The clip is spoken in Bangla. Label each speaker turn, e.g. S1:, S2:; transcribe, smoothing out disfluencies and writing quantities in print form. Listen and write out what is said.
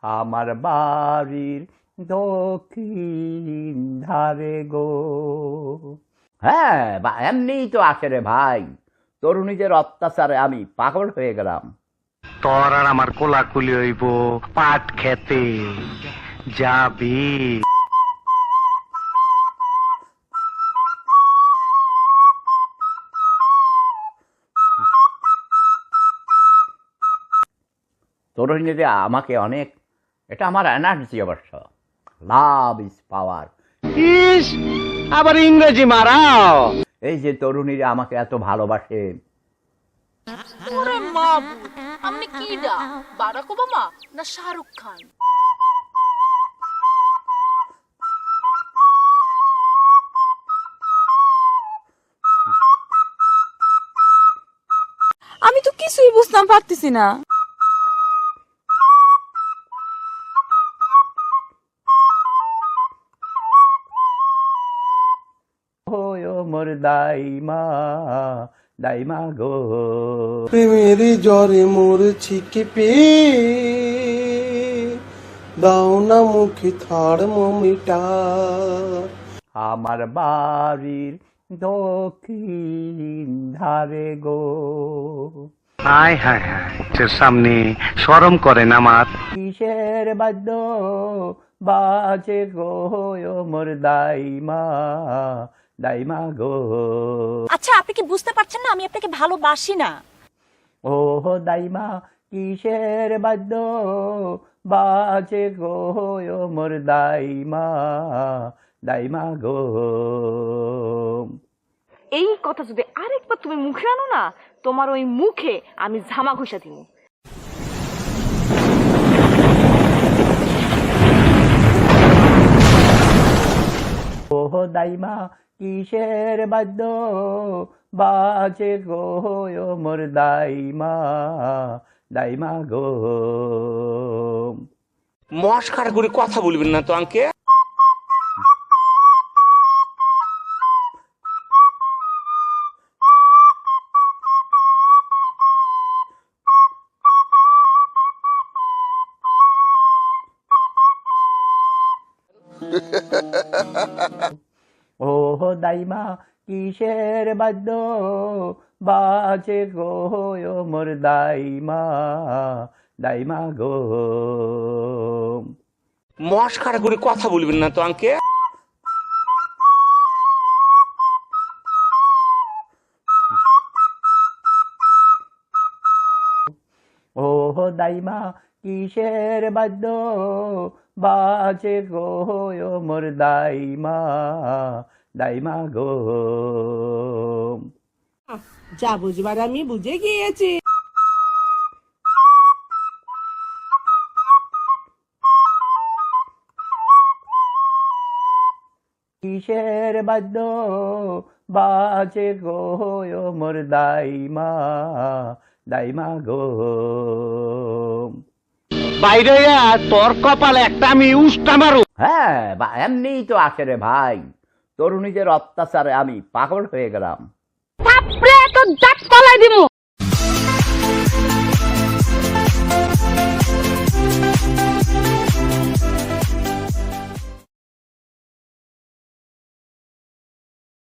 S1: আমার বাড়ির দক্ষিণ ধারে গো। হ্যাঁ, এমনিই তো আসে রে ভাই, তরুণীদের অত্যাচারে আমি পাগল হয়ে গেলাম।
S2: তোর আর আমার কোলাকুলি হইব পাট খেতে যাবি।
S1: তরুণীদের আমাকে অনেক, এটা আমার এনার্জি অবশ্য। Love is power.
S2: ইস, আবার ইংরেজি মারাও।
S1: এই যে তরুণীরা আমাকে এত ভালোবাসে।
S3: ওরে মাবুদ, আপনি কি ডা বারাক ওবামা না শাহরুখ খান?
S4: আমি তো কিছুই বুঝতাম পারতেছি না।
S1: মোর দাইমা দাইমা গো।
S5: প্রেমের জ্বরে মরছি কেঁপে, দাও না মুখে থার্মোমিটার।
S1: আমার বাড়ির দক্ষিণ ধারে গো।
S2: হায় হায় হায়, তোর সামনে শরম করে না আমার।
S1: কিসের বাদ্য বাজে গো মোর দাইমা দাইমা গো।
S4: আচ্ছা, আপনি কি বুঝতে পারছেন না আমি আপনাকে ভালোবাসি না?
S1: ও দাইমা কিসের বাদ্য বাজে গো মোর দাইমা দাইমা গো।
S6: এই কথা যদি আরেকবার তুমি মুখে আনো না, তোমার ওই মুখে আমি ঝামা ঘষা দিব।
S1: ও দাইমা কিসের বাদ্য বাজে গো মোর দাইমা দাইমা গো।
S7: মস্কার করে কথা বলবেন না তো আঙ্কে।
S1: ও দাইমা কিসের বাদ্য বাজে গো মোর দাইমা দাইমা গো।
S7: মস্কার করে কথা বলবেন না তো আঙ্কে।
S1: ও দাইমা কিসের বাদ্য বাজে গো মোর দাইমা দাইমা গো।
S8: যা বুঝবার আমি বুঝে গিয়েছি।
S1: কিসের বাদ্য বাজে গো মোর দাইমা দাইমা গো।
S2: বাইরে তোর কপালে একটা আমি উষ্টা মারু।
S1: হ্যাঁ, এমনিই তো আসে রে ভাই, তরুণীদের অত্যাচারে আমি পাগল হয়ে গেলাম।
S6: থাপড়ে তো দাঁত কলাই দিমু।